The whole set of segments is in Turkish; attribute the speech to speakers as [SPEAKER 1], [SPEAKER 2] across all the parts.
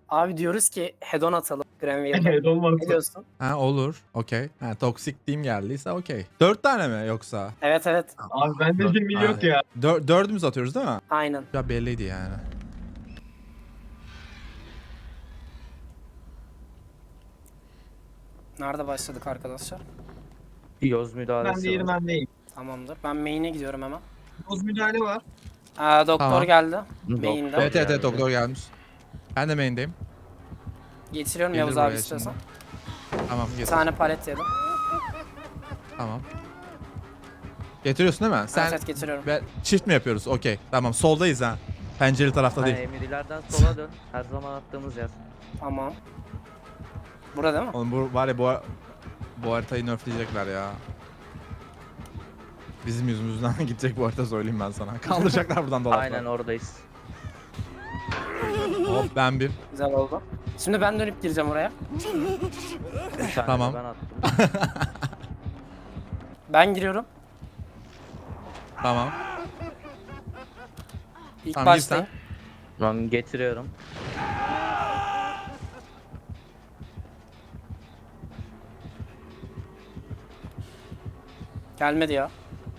[SPEAKER 1] Abi diyoruz ki hedon atalım Grenville'da.
[SPEAKER 2] Evet olmaz.
[SPEAKER 1] Ne diyorsun?
[SPEAKER 3] Ha olur. Okey. Ha toksik team geldiyse okey. 4 tane mi yoksa?
[SPEAKER 1] Evet evet.
[SPEAKER 2] Abi bende 20 yok ya.
[SPEAKER 3] Dördümüz atıyoruz değil mi?
[SPEAKER 1] Aynen.
[SPEAKER 3] Ya belliydi yani.
[SPEAKER 1] Nerede başladık arkadaşlar?
[SPEAKER 4] Yoz müdahalesi
[SPEAKER 2] Ben diğeri
[SPEAKER 4] var.
[SPEAKER 2] bendeyim.
[SPEAKER 1] Tamamdır. Ben main'e gidiyorum hemen.
[SPEAKER 2] Doz müdahale var.
[SPEAKER 1] Doktor
[SPEAKER 3] Tamam.
[SPEAKER 1] geldi.
[SPEAKER 4] Doktor.
[SPEAKER 1] Main'de.
[SPEAKER 3] Evet evet
[SPEAKER 4] geldi.
[SPEAKER 3] doktor gelmiş. Ben de main'deyim.
[SPEAKER 1] Getiriyorum
[SPEAKER 3] Gelir
[SPEAKER 1] Yavuz
[SPEAKER 3] buraya
[SPEAKER 1] abi istiyorsan.
[SPEAKER 3] Tamam
[SPEAKER 1] Bir
[SPEAKER 3] getir.
[SPEAKER 1] tane palet yedim.
[SPEAKER 3] Tamam. Getiriyorsun değil mi? Sen
[SPEAKER 1] Evet getiriyorum.
[SPEAKER 3] çift mi yapıyoruz? Okey. Tamam soldayız ha. Pencereli tarafta
[SPEAKER 4] Hani
[SPEAKER 3] değil.
[SPEAKER 4] emirlerden sola dön. Her zaman attığımız yer.
[SPEAKER 1] Tamam. Burada değil mi?
[SPEAKER 3] Oğlum bu var ya bu haritayı nerfleyecekler ya. Bizim yüzümüzden gidecek bu harita söyleyeyim ben sana. Kaldıracaklar buradan dolaplar.
[SPEAKER 4] Aynen oradayız.
[SPEAKER 3] Hop ben bir.
[SPEAKER 1] Güzel oldu. Şimdi ben dönüp gireceğim oraya.
[SPEAKER 4] Bir tane
[SPEAKER 3] Tamam.
[SPEAKER 4] de ben attım.
[SPEAKER 1] Ben giriyorum.
[SPEAKER 3] Tamam.
[SPEAKER 1] İlk
[SPEAKER 3] Tamam, gir
[SPEAKER 1] baştayım.
[SPEAKER 4] Ben getiriyorum.
[SPEAKER 1] Gelmedi ya.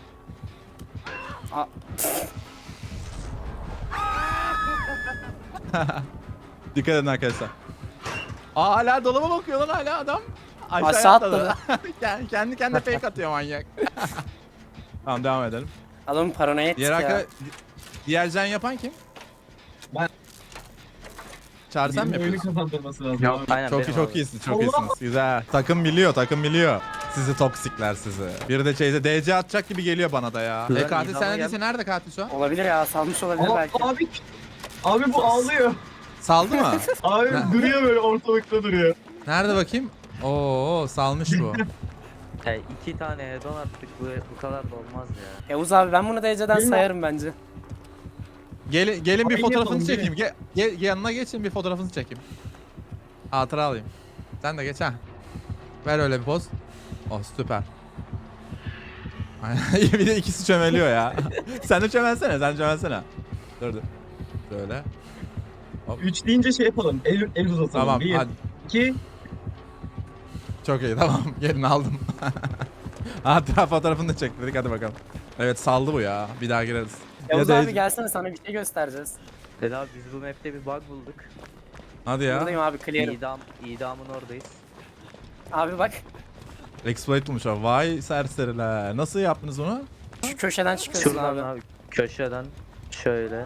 [SPEAKER 1] Aa,
[SPEAKER 3] Dikkat edin arkadaşlar. Aa hala dolaba bakıyor lan hala adam.
[SPEAKER 1] Aşağı atladı.
[SPEAKER 3] Kendi kendine fake atıyor manyak. Tamam devam edelim.
[SPEAKER 1] adamın paranoya ettik
[SPEAKER 3] Diğer
[SPEAKER 1] ya.
[SPEAKER 3] diğer can yapan kim?
[SPEAKER 2] Ben.
[SPEAKER 3] Çağrı sen mi
[SPEAKER 2] Benim oyunu
[SPEAKER 3] yapıyorsun?
[SPEAKER 2] kazandırması lazım.
[SPEAKER 4] Yok,
[SPEAKER 2] abi.
[SPEAKER 4] aynen
[SPEAKER 3] Çok
[SPEAKER 4] benim
[SPEAKER 3] iyi, çok
[SPEAKER 4] abi.
[SPEAKER 3] iyisin, çok
[SPEAKER 2] Allah!
[SPEAKER 3] iyisiniz. Güzel. Takım biliyor. Sizi toksikler sizi. Biri de DC atacak gibi geliyor bana da ya.
[SPEAKER 4] Güzel,
[SPEAKER 3] Katil
[SPEAKER 4] idama
[SPEAKER 3] sen
[SPEAKER 4] gel.
[SPEAKER 3] neredeyse nerede katil şu an?
[SPEAKER 1] Olabilir ya, salmış olabilir belki.
[SPEAKER 2] Abi bu ağlıyor.
[SPEAKER 3] Saldı mı?
[SPEAKER 2] Abi
[SPEAKER 3] Ne?
[SPEAKER 2] duruyor böyle ortalıkta duruyor.
[SPEAKER 3] Nerede bakayım? Oo salmış bu.
[SPEAKER 4] He, 2 tane hedon attık. Bu kadar da olmaz ya.
[SPEAKER 1] Yavuz abi ben bunu DC'den
[SPEAKER 2] Benim-
[SPEAKER 1] sayarım bence.
[SPEAKER 3] Gelin bir
[SPEAKER 2] Aynı
[SPEAKER 3] fotoğrafını
[SPEAKER 2] yapalım,
[SPEAKER 3] çekeyim. Yanına geçin bir fotoğrafını çekeyim. Hatıra alayım. Sen de geç ha. Ver öyle bir poz. Oh süper. Aynen. Bir de ikisi çömeliyor ya. Sen de çömelsene. Dur. Şöyle.
[SPEAKER 2] 3 deyince şey yapalım. El uzatalım.
[SPEAKER 3] Tamam
[SPEAKER 2] 1,
[SPEAKER 3] hadi.
[SPEAKER 2] 2.
[SPEAKER 3] Çok iyi tamam. Gelin aldım. Hatıra fotoğrafını da çektirdik hadi bakalım. Evet saldı bu ya. Bir daha gireriz.
[SPEAKER 1] Yavuz
[SPEAKER 3] da-
[SPEAKER 1] abi gelsene, sana bir şey göstereceğiz.
[SPEAKER 4] Dedi abi biz bu map'te bir bug bulduk.
[SPEAKER 3] Hadi ya.
[SPEAKER 1] Buradayım abi, clear'ım.
[SPEAKER 4] İdamın oradayız.
[SPEAKER 1] Abi bak,
[SPEAKER 3] Exploit bulmuş abi. Vay serseriler. Nasıl yaptınız bunu?
[SPEAKER 1] şu köşeden çıkıyorsun
[SPEAKER 4] Şuradan
[SPEAKER 1] abi.
[SPEAKER 4] abi köşeden şöyle.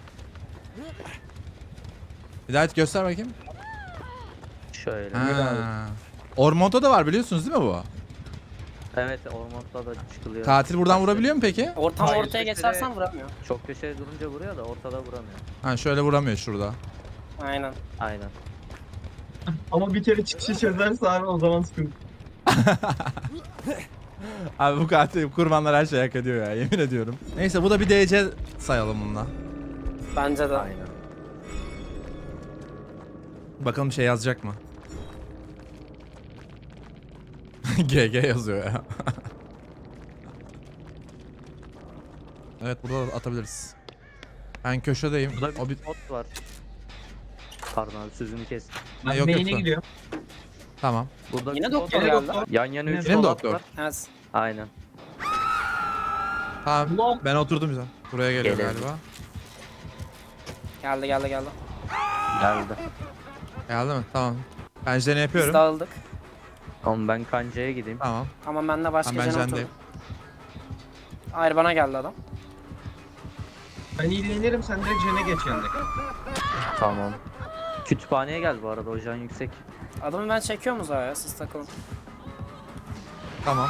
[SPEAKER 3] Bir daha göster bakayım.
[SPEAKER 4] Şöyle.
[SPEAKER 3] Ha. Ormonto da var biliyorsunuz değil mi bu?
[SPEAKER 4] Evet ormanda da çıkılıyor.
[SPEAKER 3] Katil buradan vurabiliyor mu peki?
[SPEAKER 1] Ortam
[SPEAKER 2] Hayır,
[SPEAKER 1] ortaya geçersen vuramıyor.
[SPEAKER 4] Çok köşeye durunca vuruyor da ortada vuramıyor.
[SPEAKER 3] Ha şöyle vuramıyor şurada.
[SPEAKER 1] Aynen.
[SPEAKER 4] Aynen.
[SPEAKER 2] Ama bir kere çıkışı çözerse abi o zaman sıkıntı.
[SPEAKER 3] Abi bu katil kurbanlar her şeyi hak ediyor ya yemin ediyorum. Neyse bu da bir DC sayalım bununla.
[SPEAKER 1] Bence de.
[SPEAKER 4] Aynen.
[SPEAKER 3] Bakalım bir şey yazacak mı? GG yazıyor ya. Evet burada da atabiliriz. Ben köşedeyim.
[SPEAKER 4] Burada
[SPEAKER 3] O
[SPEAKER 4] bir bot var. Pardon abi sözünü kes.
[SPEAKER 2] Ben
[SPEAKER 3] yok,
[SPEAKER 2] main'e
[SPEAKER 3] yok.
[SPEAKER 2] gidiyorum.
[SPEAKER 3] Tamam.
[SPEAKER 4] Burada
[SPEAKER 1] Yine
[SPEAKER 4] bir
[SPEAKER 1] doktor
[SPEAKER 4] bot
[SPEAKER 1] geldi.
[SPEAKER 4] var. Yan yana 3
[SPEAKER 3] Yine mi
[SPEAKER 4] dolap
[SPEAKER 3] doktor?
[SPEAKER 4] var.
[SPEAKER 1] Evet.
[SPEAKER 4] Aynen.
[SPEAKER 3] Tamam.
[SPEAKER 2] Ulan.
[SPEAKER 3] Ben oturdum güzel. Buraya geliyor
[SPEAKER 4] Gelelim.
[SPEAKER 3] galiba.
[SPEAKER 1] Geldi.
[SPEAKER 4] Geldi.
[SPEAKER 3] Geldi mi? Tamam. Pencereni
[SPEAKER 1] Biz
[SPEAKER 3] yapıyorum.
[SPEAKER 1] dağıldık.
[SPEAKER 4] Oğlum ben kancaya gideyim.
[SPEAKER 3] Tamam.
[SPEAKER 1] Ama ben de başka
[SPEAKER 3] Ben
[SPEAKER 1] jene
[SPEAKER 3] jendeyim.
[SPEAKER 1] oturdum. Hayır, bana geldi adam.
[SPEAKER 2] Ben ilgilenirim sen direkt jene geç yandaki.
[SPEAKER 4] Tamam. Kütüphaneye gel bu arada hocam yüksek.
[SPEAKER 1] Adamı ben çekiyorum uzağa ya, siz takılın.
[SPEAKER 3] Tamam.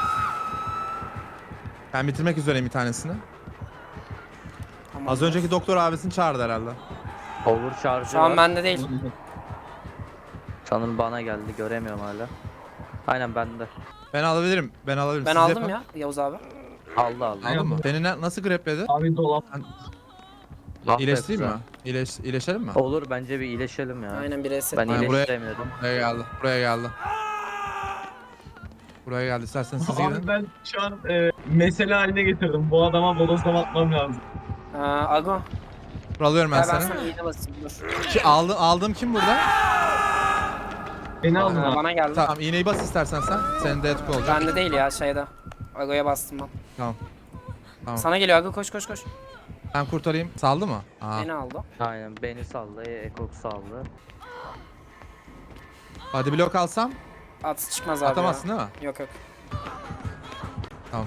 [SPEAKER 3] Ben bitirmek üzereyim bir tanesini.
[SPEAKER 1] Tamam.
[SPEAKER 3] Az önceki doktor abisini çağırdı herhalde.
[SPEAKER 4] Over charge
[SPEAKER 1] Şu an
[SPEAKER 4] var.
[SPEAKER 1] bende değil.
[SPEAKER 4] Sanırım bana geldi göremiyorum hala. Aynen bende.
[SPEAKER 3] Ben alabilirim. Ben
[SPEAKER 1] Ben
[SPEAKER 3] Siz
[SPEAKER 1] aldım
[SPEAKER 3] yapın.
[SPEAKER 1] ya Yavuz abi.
[SPEAKER 4] Aldı.
[SPEAKER 3] Aldın mı? Seni nasıl grepledi?
[SPEAKER 2] Abi dolap.
[SPEAKER 3] İyileştireyim mi? İyileşelim mi?
[SPEAKER 4] Olur bence bir iyileşelim ya.
[SPEAKER 1] Aynen, bir reset.
[SPEAKER 4] Ben
[SPEAKER 3] Aynen, buraya-
[SPEAKER 4] iyileştiremiyorum.
[SPEAKER 3] Buraya geldi. Buraya geldi. İsterseniz siz gidin.
[SPEAKER 2] Abi ben şu an mesele haline getirdim. Bu adama bodozlama atmam lazım.
[SPEAKER 1] Ago.
[SPEAKER 3] Kuralıyorum ben
[SPEAKER 1] Ben
[SPEAKER 3] seni.
[SPEAKER 1] sana iğne basayım dur.
[SPEAKER 3] Aldığım kim burada?
[SPEAKER 2] Beni aldın abi.
[SPEAKER 1] Bana geldi.
[SPEAKER 3] Tamam iğneyi bas istersen sen. Senin de etik olacak.
[SPEAKER 1] Bende değil ya şeyde. Ago'ya bastım ben.
[SPEAKER 3] Tamam. Tamam.
[SPEAKER 1] Sana geliyor Ago, koş koş koş.
[SPEAKER 3] Ben kurtarayım. Saldı mı? Aa.
[SPEAKER 1] Beni aldı.
[SPEAKER 4] Aynen beni saldı, Ekok saldı.
[SPEAKER 3] Hadi blok alsam
[SPEAKER 1] At çıkmaz abi
[SPEAKER 3] atamazsın
[SPEAKER 1] ya.
[SPEAKER 3] değil mi?
[SPEAKER 1] Yok yok.
[SPEAKER 3] Tamam.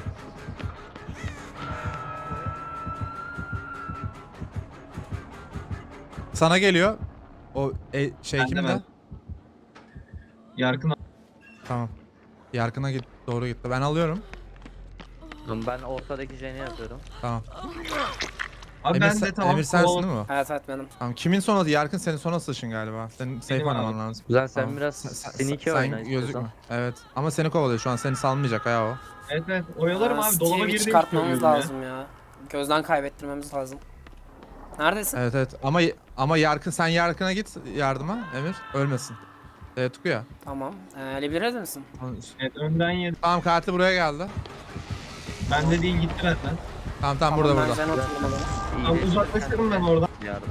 [SPEAKER 3] Sana geliyor. O şey
[SPEAKER 2] Ben de
[SPEAKER 3] kimde?
[SPEAKER 2] ben. Yarkın abi.
[SPEAKER 3] Tamam. Yarkına git. Doğru gitti. Ben alıyorum.
[SPEAKER 4] Ben ortadaki jeni yapıyorum.
[SPEAKER 3] Tamam.
[SPEAKER 2] Abi
[SPEAKER 3] Emir,
[SPEAKER 2] ben de tamam.
[SPEAKER 3] Emir sensin
[SPEAKER 2] kovalam-
[SPEAKER 3] değil mi?
[SPEAKER 1] Evet evet benim.
[SPEAKER 3] Tamam. Kimin son adı? Yarkın senin son atışın galiba. Senin safe
[SPEAKER 2] Benim
[SPEAKER 3] oynaman
[SPEAKER 2] abi.
[SPEAKER 3] lazım.
[SPEAKER 4] Güzel sen
[SPEAKER 3] Tamam.
[SPEAKER 4] biraz sneaky oyna istiyorsan.
[SPEAKER 3] gözükme. Evet. Ama seni kovalıyor şu an. Seni salmayacak ya o.
[SPEAKER 2] Evet evet. Oyalarım abi. Dolaba
[SPEAKER 1] Steve'i
[SPEAKER 2] girdiğimi
[SPEAKER 1] çıkartmamız
[SPEAKER 2] söylüyorum ya.
[SPEAKER 1] lazım ya. Gözden kaybettirmemiz lazım. Neredesin?
[SPEAKER 3] Evet evet. Ama Yarkın sen Yarkın'a git yardıma Emir. Ölmesin. Tuku ya.
[SPEAKER 1] Tamam. Liberade misin?
[SPEAKER 2] Evet önden yedim.
[SPEAKER 3] Tamam kartı buraya geldi.
[SPEAKER 2] Bende değil gitti benden.
[SPEAKER 3] Tamam burada
[SPEAKER 1] ben
[SPEAKER 3] burada.
[SPEAKER 1] Jen oturdum o zaman.
[SPEAKER 2] Tamam uzaklaşırım ben oradan.
[SPEAKER 4] Yardı.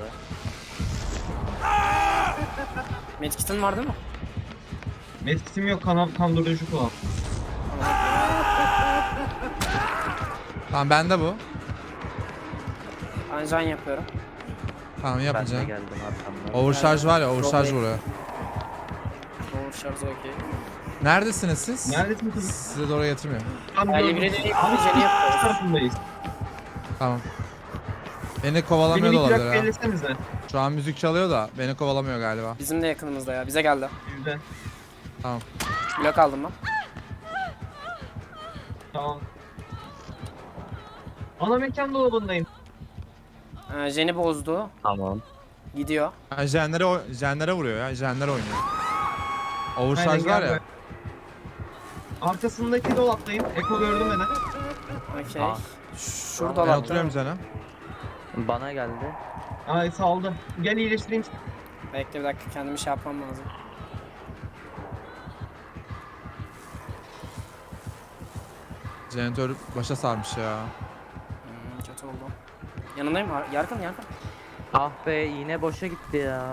[SPEAKER 1] Medkit'in var değil mi?
[SPEAKER 2] Metkisim yok kan durucu kullan.
[SPEAKER 3] Tamam bende bu.
[SPEAKER 1] Ben Jen yapıyorum.
[SPEAKER 3] Tamam
[SPEAKER 4] Ben de
[SPEAKER 3] yapacağım.
[SPEAKER 4] geldim arkamdan.
[SPEAKER 3] Overcharge var ya overcharge
[SPEAKER 1] Çok iyi.
[SPEAKER 3] vuruyor.
[SPEAKER 1] Doğru şarjı okey.
[SPEAKER 3] Neredesiniz siz?
[SPEAKER 2] Neredesin kızım?
[SPEAKER 3] Size doğru getirmiyor.
[SPEAKER 2] Tam
[SPEAKER 1] Yani
[SPEAKER 2] gördüm.
[SPEAKER 1] Libre'de
[SPEAKER 2] Abi
[SPEAKER 1] Jen'i
[SPEAKER 2] karşı
[SPEAKER 1] yapıyoruz.
[SPEAKER 2] tarafındayız.
[SPEAKER 3] Tamam. Beni
[SPEAKER 2] Beni
[SPEAKER 3] kovalamıyor
[SPEAKER 2] bir
[SPEAKER 3] da
[SPEAKER 2] plak
[SPEAKER 3] olabilir ha.
[SPEAKER 2] belirlesenize.
[SPEAKER 3] Şu an müzik çalıyor da beni kovalamıyor galiba.
[SPEAKER 1] Bizim de yakınımızda ya. Bize geldi.
[SPEAKER 2] Yüzde.
[SPEAKER 3] Tamam.
[SPEAKER 1] Blok aldım ben.
[SPEAKER 2] Tamam. Ana mekan dolabındayım.
[SPEAKER 1] Jen'i bozdu.
[SPEAKER 4] Tamam.
[SPEAKER 1] Gidiyor.
[SPEAKER 3] Ha, jenlere vuruyor ya. Jenler oynuyor.
[SPEAKER 2] Aynen,
[SPEAKER 3] Overcharge var
[SPEAKER 2] gel
[SPEAKER 3] ya.
[SPEAKER 2] be. Arkasındaki dolaptayım. Eko gördüm beni.
[SPEAKER 1] Okey.
[SPEAKER 4] Ah.
[SPEAKER 1] Şurada
[SPEAKER 3] Ben
[SPEAKER 1] lan.
[SPEAKER 3] oturuyorum jene.
[SPEAKER 4] Bana geldi.
[SPEAKER 2] Ay saldı. Gel iyileştireyim.
[SPEAKER 1] Bekle bir dakika, kendimi şey yapmam lazım.
[SPEAKER 3] Jeneratör başa sarmış ya.
[SPEAKER 1] Kötü oldu. Yanındayım. Yarkın.
[SPEAKER 4] Ah be iğne boşa gitti ya.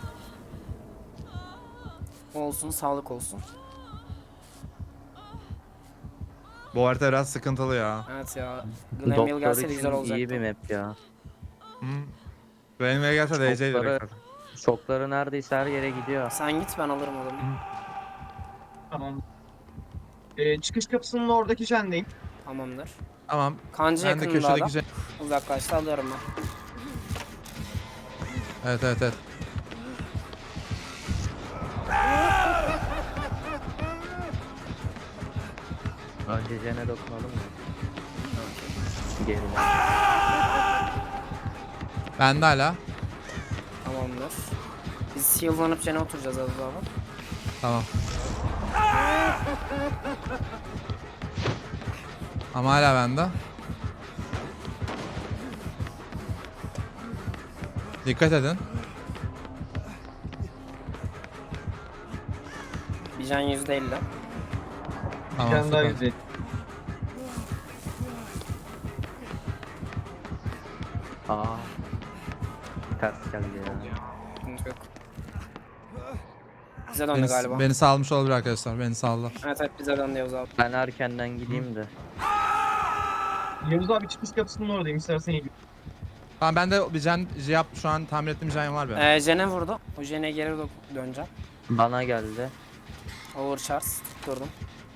[SPEAKER 1] Olsun, sağlık olsun.
[SPEAKER 3] Bu harita biraz sıkıntılı ya.
[SPEAKER 1] Evet ya. Glenville
[SPEAKER 4] Doktor
[SPEAKER 1] gelseydi güzel
[SPEAKER 4] için
[SPEAKER 1] olacaktı.
[SPEAKER 4] iyi bir map ya.
[SPEAKER 3] Hı. Benim eve gelse DC'yi
[SPEAKER 4] Şokları,
[SPEAKER 3] direkt.
[SPEAKER 4] şokları neredeyse her yere gidiyor.
[SPEAKER 1] Sen git, ben alırım adamı.
[SPEAKER 2] Tamam. Çıkış kapısının oradaki jendeyim.
[SPEAKER 1] Tamamdır.
[SPEAKER 3] Tamam.
[SPEAKER 1] Kancı
[SPEAKER 3] Ben de
[SPEAKER 1] yakınında adam.
[SPEAKER 3] köşedeki
[SPEAKER 1] Uzaklaştı, alıyorum ben.
[SPEAKER 3] Evet.
[SPEAKER 4] Önce jene dokunalım mı? Gelin.
[SPEAKER 3] Bende hala.
[SPEAKER 1] Tamamdır. Biz heal'lanıp Jen'e oturacağız az daha.
[SPEAKER 3] Tamam. Ama hala bende. Dikkat edin.
[SPEAKER 1] Bir Jen %50.
[SPEAKER 3] Tamam
[SPEAKER 2] Jen daha
[SPEAKER 3] süper.
[SPEAKER 2] güzel.
[SPEAKER 4] Aa. Ters geldi ya.
[SPEAKER 1] Sıkıntı yok. Bize döndü galiba.
[SPEAKER 3] Beni salmış olabilir arkadaşlar. Beni saldı.
[SPEAKER 1] Evet bize döndü Yavuz abi.
[SPEAKER 4] Ben erkenden gideyim de.
[SPEAKER 2] Yavuz abi çıkış kapısının oradayım. İstersen iyi.
[SPEAKER 3] Tamam ben de bir yap şu an tamir ettiğim jen var benim.
[SPEAKER 1] Jen'e vurdu. O Jen'e geri döneceğim.
[SPEAKER 4] Bana geldi.
[SPEAKER 1] Overcharge tutturdum.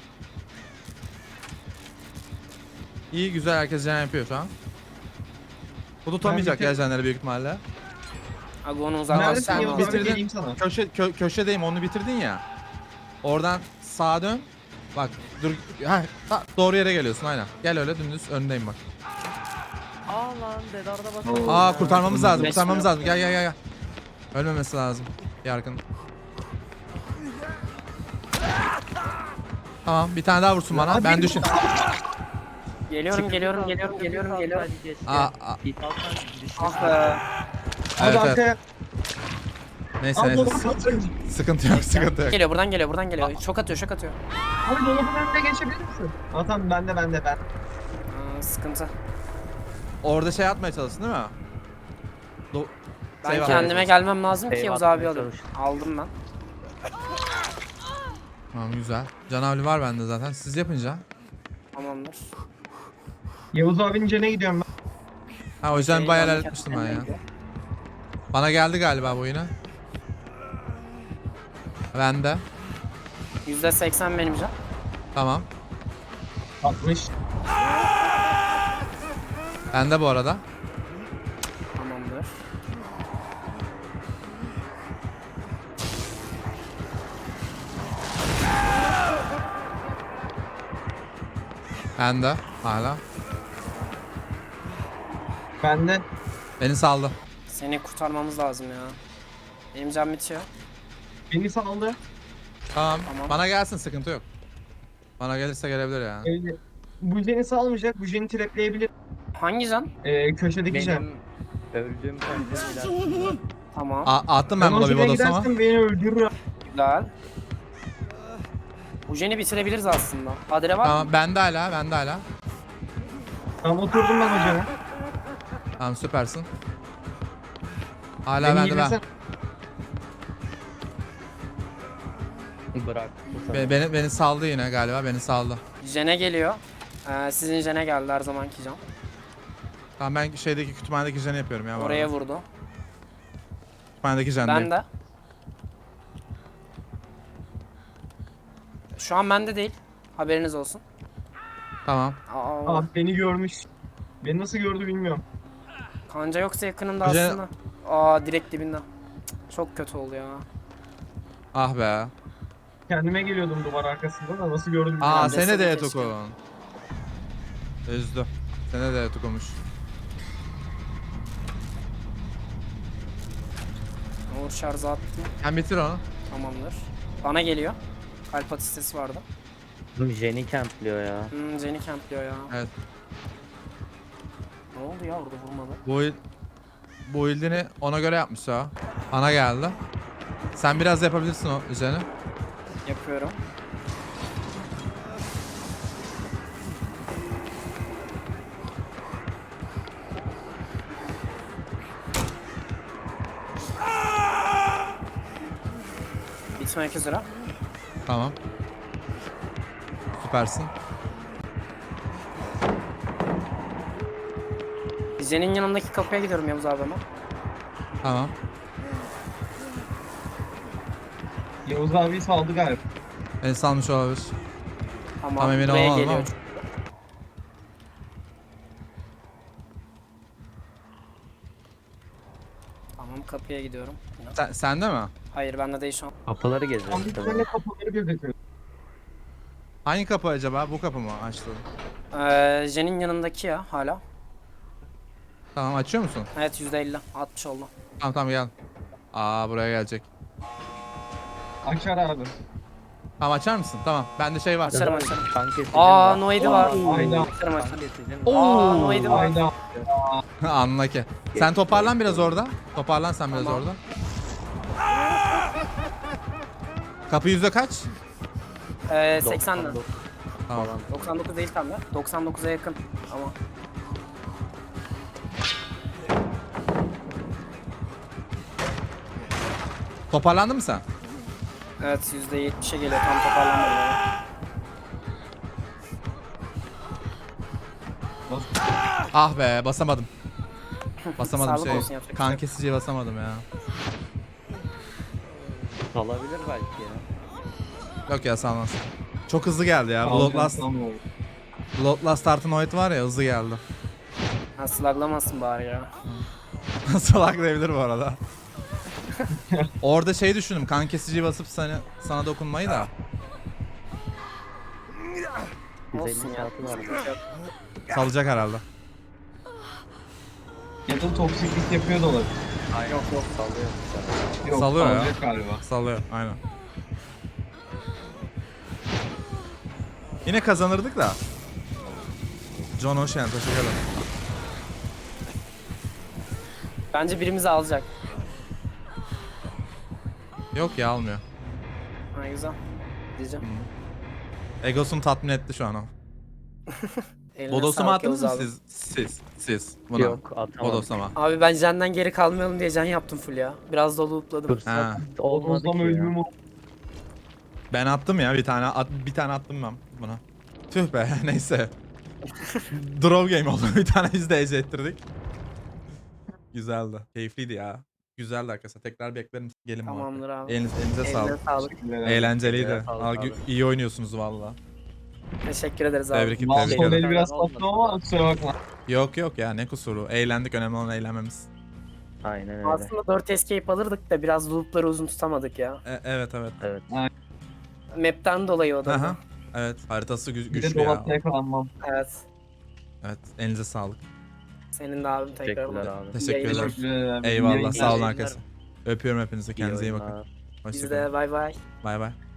[SPEAKER 3] İyi güzel herkes jen yapıyor şu an. Bu tutamayacak
[SPEAKER 2] Ben
[SPEAKER 3] ya jenleri büyük ihtimalle.
[SPEAKER 1] Agon'u
[SPEAKER 3] sen
[SPEAKER 2] Neredesin
[SPEAKER 1] uzaklaştırmam
[SPEAKER 2] Yavuz
[SPEAKER 1] lazım.
[SPEAKER 2] abi?
[SPEAKER 3] bitirdin.
[SPEAKER 2] Geleyim sana.
[SPEAKER 3] Köşedeyim onu bitirdin ya. Oradan sağa dön. Bak dur. Doğru yere geliyorsun aynen. Gel öyle dümdüz önündeyim bak.
[SPEAKER 4] Aa lan dedarda bakalım.
[SPEAKER 3] Aa kurtarmamız lazım.
[SPEAKER 1] Resmi
[SPEAKER 3] Kurtarmamız
[SPEAKER 1] yok.
[SPEAKER 3] lazım. Gel. Ölmemesi lazım. Yarkın. Tamam bir tane daha vursun bana.
[SPEAKER 2] Abi,
[SPEAKER 3] Ben düşün.
[SPEAKER 1] Geliyorum.
[SPEAKER 3] Aa,
[SPEAKER 1] Ah be.
[SPEAKER 2] Hadi
[SPEAKER 3] evet.
[SPEAKER 2] arkaya.
[SPEAKER 3] Neyse
[SPEAKER 2] Abi
[SPEAKER 3] neyse.
[SPEAKER 2] dolabın önüne.
[SPEAKER 3] Sıkıntı yok.
[SPEAKER 1] Geliyor buradan geliyor. Şok atıyor.
[SPEAKER 2] Abi dolabın önüne geçebilir misin? Aa tamam bende.
[SPEAKER 1] Sıkıntı.
[SPEAKER 3] Orada şey atmaya çalışsın değil mi?
[SPEAKER 1] Ben
[SPEAKER 3] Save
[SPEAKER 1] kendime gelmem lazım ki
[SPEAKER 4] Save
[SPEAKER 1] Yavuz abi
[SPEAKER 4] atmaya
[SPEAKER 1] alayım.
[SPEAKER 4] çalış.
[SPEAKER 1] Aldım ben.
[SPEAKER 3] Tamam güzel. Canavli var bende zaten. Siz yapınca.
[SPEAKER 1] Tamamdır.
[SPEAKER 2] Yavuz abinin cene gidiyorum ben.
[SPEAKER 3] Ha o yüzden
[SPEAKER 1] Şey,
[SPEAKER 3] bayağı
[SPEAKER 1] ben de
[SPEAKER 3] ilerletmiştim ben ya.
[SPEAKER 1] kendime gidiyorum.
[SPEAKER 3] Bana geldi galiba bu yine. Bende.
[SPEAKER 1] %80 benim can.
[SPEAKER 3] Tamam.
[SPEAKER 2] 60.
[SPEAKER 3] Bende bu arada.
[SPEAKER 1] Tamamdır.
[SPEAKER 3] Bende. Hala.
[SPEAKER 2] Bende.
[SPEAKER 3] Beni saldı.
[SPEAKER 1] Seni kurtarmamız lazım ya. Benim can bitiyor.
[SPEAKER 2] Beni saldı.
[SPEAKER 3] Tamam.
[SPEAKER 1] Tamam.
[SPEAKER 3] Bana gelsin sıkıntı yok. Bana gelirse gelebilir yani.
[SPEAKER 2] Bu jeni salmayacak. Bu jeni trapleyebilir.
[SPEAKER 1] Hangi can?
[SPEAKER 2] Köşedeki jen.
[SPEAKER 4] Benim öldüğüm kanca
[SPEAKER 1] Tamam.
[SPEAKER 3] Attım
[SPEAKER 2] Ben
[SPEAKER 3] ben
[SPEAKER 2] o
[SPEAKER 3] buna bir
[SPEAKER 2] jene
[SPEAKER 3] bodoslama.
[SPEAKER 2] gidersem beni öldürür.
[SPEAKER 1] Güzel. Bu jeni bitirebiliriz aslında. Adre var mı?
[SPEAKER 3] Tamam bende hala. Bende hala.
[SPEAKER 2] Tamam oturdum ben o jene.
[SPEAKER 3] Tamam süpersin. Hala
[SPEAKER 2] Beni
[SPEAKER 3] bende ben.
[SPEAKER 2] yiyeceksen-
[SPEAKER 4] bırak.
[SPEAKER 3] Beni saldı yine galiba. Beni saldı.
[SPEAKER 1] Jene geliyor. Sizin jene geldi her zamanki can.
[SPEAKER 3] Tamam ben şeydeki kütüphanedeki jeni yapıyorum ya. bu
[SPEAKER 1] Oraya
[SPEAKER 3] arada.
[SPEAKER 1] vurdu.
[SPEAKER 3] Kütüphanedeki jendeyim.
[SPEAKER 1] Ben de. Şu an bende değil. Haberiniz olsun.
[SPEAKER 3] Tamam.
[SPEAKER 1] Aa,
[SPEAKER 2] Beni görmüş. Beni nasıl gördü bilmiyorum.
[SPEAKER 1] kanca yoksa yakınında
[SPEAKER 3] Jene-
[SPEAKER 1] aslında. Aa, direkt dibinde. Çok kötü oldu ya.
[SPEAKER 3] Ah be.
[SPEAKER 2] Kendime geliyordum duvar arkasında da nasıl gördü bilmiyorum.
[SPEAKER 3] Aa
[SPEAKER 1] Ben de
[SPEAKER 3] sene de
[SPEAKER 1] keşke.
[SPEAKER 3] Etukon. Üzdü. Sene de Etukonmuş.
[SPEAKER 1] Uğur şarjı attım.
[SPEAKER 3] Hem bitir onu.
[SPEAKER 1] Tamamdır. Bana geliyor. Kalp atış sesi vardı.
[SPEAKER 4] Jenny campliyor ya.
[SPEAKER 1] Jenny campliyor ya.
[SPEAKER 3] Evet.
[SPEAKER 1] Ne oldu ya orada vurmadı?
[SPEAKER 3] Bu build'ini ona göre yapmış ha. Ana geldi. Sen biraz yapabilirsin o üzerine.
[SPEAKER 1] Yapıyorum. Bitmek üzere.
[SPEAKER 3] Tamam. Süpersin.
[SPEAKER 1] Jen'in yanındaki kapıya gidiyorum Yavuz abi ama.
[SPEAKER 3] Tamam.
[SPEAKER 2] Yavuz abi saldı galiba.
[SPEAKER 3] Beni salmış olabilir.
[SPEAKER 1] Tamam,
[SPEAKER 3] Tam emin
[SPEAKER 1] buraya
[SPEAKER 3] olamadım
[SPEAKER 1] geliyor.
[SPEAKER 3] ama.
[SPEAKER 1] Tamam, kapıya gidiyorum. Yine.
[SPEAKER 3] Sende mi?
[SPEAKER 1] Hayır, bende değil şu an.
[SPEAKER 4] Kapıları
[SPEAKER 2] Tam
[SPEAKER 4] geziyor
[SPEAKER 2] bir
[SPEAKER 4] işte.
[SPEAKER 2] tane kapıları gözüküyor.
[SPEAKER 3] Hangi kapı acaba? Bu kapı mı açtı?
[SPEAKER 1] Jen'in yanındaki ya hala.
[SPEAKER 3] Tamam açıyor musun?
[SPEAKER 1] Evet, %50. 60 oldu.
[SPEAKER 3] Tamam tamam gel. Aa buraya gelecek.
[SPEAKER 2] Açar abi.
[SPEAKER 3] Tamam açar mısın? Tamam. Bende şey var.
[SPEAKER 1] Açarım açarım.
[SPEAKER 4] Kan kesicim
[SPEAKER 1] Aa,
[SPEAKER 4] var.
[SPEAKER 1] Noid'i var.
[SPEAKER 2] Ayda.
[SPEAKER 1] Açarım
[SPEAKER 4] Kan
[SPEAKER 1] açarım.
[SPEAKER 4] kesicim
[SPEAKER 1] Aa, Noid'i var.
[SPEAKER 2] Ayda.
[SPEAKER 3] Anla ki. Sen toparlan biraz orada. Toparlan sen biraz
[SPEAKER 1] Tamam.
[SPEAKER 3] orada. Kapı yüzde kaç?
[SPEAKER 1] 80'den.
[SPEAKER 4] 99
[SPEAKER 3] Tamam.
[SPEAKER 4] falan.
[SPEAKER 1] 99 değil tam ya. 99'a yakın ama.
[SPEAKER 3] Toparlandın mı sen?
[SPEAKER 1] Evet, %70'e geliyor, tam toparlanmadı yani.
[SPEAKER 3] Ah be basamadım. Basamadım
[SPEAKER 1] Sağlık olsun, yapacak bir
[SPEAKER 3] kan
[SPEAKER 1] şey yok.
[SPEAKER 3] kesiciye basamadım ya.
[SPEAKER 4] Kalabilir belki ya.
[SPEAKER 3] Yok ya salmaz. Çok hızlı geldi ya.
[SPEAKER 2] Tamam.
[SPEAKER 3] Bloodlust artı Noid var ya hızlı geldi.
[SPEAKER 1] Ha, sluglamasın bari ya.
[SPEAKER 3] Salak diyebilir bu arada. Orada şey düşündüm kan kesiciyi basıp sana dokunmayı da.
[SPEAKER 1] Olsun
[SPEAKER 4] 150
[SPEAKER 1] ya.
[SPEAKER 4] saati var.
[SPEAKER 3] Salacak herhalde.
[SPEAKER 2] Ya da toksiklik yapıyor da olabilir.
[SPEAKER 1] Yok yok.
[SPEAKER 4] Sallıyor.
[SPEAKER 2] Yok,
[SPEAKER 3] Salıyor ya.
[SPEAKER 2] salacak galiba.
[SPEAKER 3] Sallıyor aynen. Yine kazanırdık da. John Ocean teşekkür ederim.
[SPEAKER 1] Bence birimizi alacak.
[SPEAKER 3] Yok ya almıyor.
[SPEAKER 1] Ha, güzel. Diyeceğim.
[SPEAKER 3] Egosunu tatmin etti şu an o.
[SPEAKER 1] Eline
[SPEAKER 3] Bodoslama
[SPEAKER 1] sağlık
[SPEAKER 3] attınız mı
[SPEAKER 1] Yavuz abi.
[SPEAKER 3] siz? Buna.
[SPEAKER 4] Yok atamadım.
[SPEAKER 3] Bodoslama.
[SPEAKER 1] Abi ben Jen'den geri kalmayalım diye Jen yaptım full ya. Biraz da lootladım.
[SPEAKER 3] Ha.
[SPEAKER 4] Fırsat olmadı
[SPEAKER 2] Olmadı
[SPEAKER 4] ki ya.
[SPEAKER 2] ölümüm o.
[SPEAKER 3] Ben attım ya bir tane attım ben buna. Tüh be neyse. Draw game oldu. Bir tane biz de ece ettirdik. Güzeldi. Keyifliydi ya. Güzeldi arkadaşlar. Tekrar beklerim. Gelin
[SPEAKER 1] Tamamdır
[SPEAKER 3] muhabbet.
[SPEAKER 1] abi.
[SPEAKER 3] Elinize
[SPEAKER 1] Eline
[SPEAKER 3] sağlık.
[SPEAKER 1] sağlık.
[SPEAKER 3] Eğlenceliydi.
[SPEAKER 4] Eline sağlık abi.
[SPEAKER 3] İyi oynuyorsunuz valla.
[SPEAKER 1] Teşekkür ederiz abi.
[SPEAKER 3] Tebrik
[SPEAKER 2] Mal
[SPEAKER 3] tebrik
[SPEAKER 2] son
[SPEAKER 3] ederim.
[SPEAKER 2] eli biraz sattım ama kusura bakma.
[SPEAKER 3] Yok ya ne kusuru. Eğlendik, önemli olan eğlenmemiz.
[SPEAKER 4] Aynen öyle.
[SPEAKER 1] Aslında 4 escape alırdık da biraz loopları uzun tutamadık ya.
[SPEAKER 3] Evet.
[SPEAKER 4] Evet.
[SPEAKER 1] Map'ten dolayı o da.
[SPEAKER 3] Aha. Evet, haritası
[SPEAKER 2] Bir de
[SPEAKER 3] güçlü ya.
[SPEAKER 2] dolapta yakalanmam.
[SPEAKER 1] Evet.
[SPEAKER 3] Evet, elinize sağlık.
[SPEAKER 1] Senin de abim tekrar.
[SPEAKER 4] Teşekkürler abi.
[SPEAKER 3] Teşekkür
[SPEAKER 1] Yayınlar.
[SPEAKER 3] ederim.
[SPEAKER 2] Teşekkür ederim.
[SPEAKER 3] Eyvallah,
[SPEAKER 2] Yayınlar.
[SPEAKER 3] sağ olun
[SPEAKER 4] yayınlar.
[SPEAKER 3] arkadaşlar. Öpüyorum hepinizi, kendinize iyi bakın.
[SPEAKER 4] oyunlar.
[SPEAKER 1] Biz
[SPEAKER 3] Hoşçakalın.
[SPEAKER 1] de bay bay.
[SPEAKER 3] Bay bay.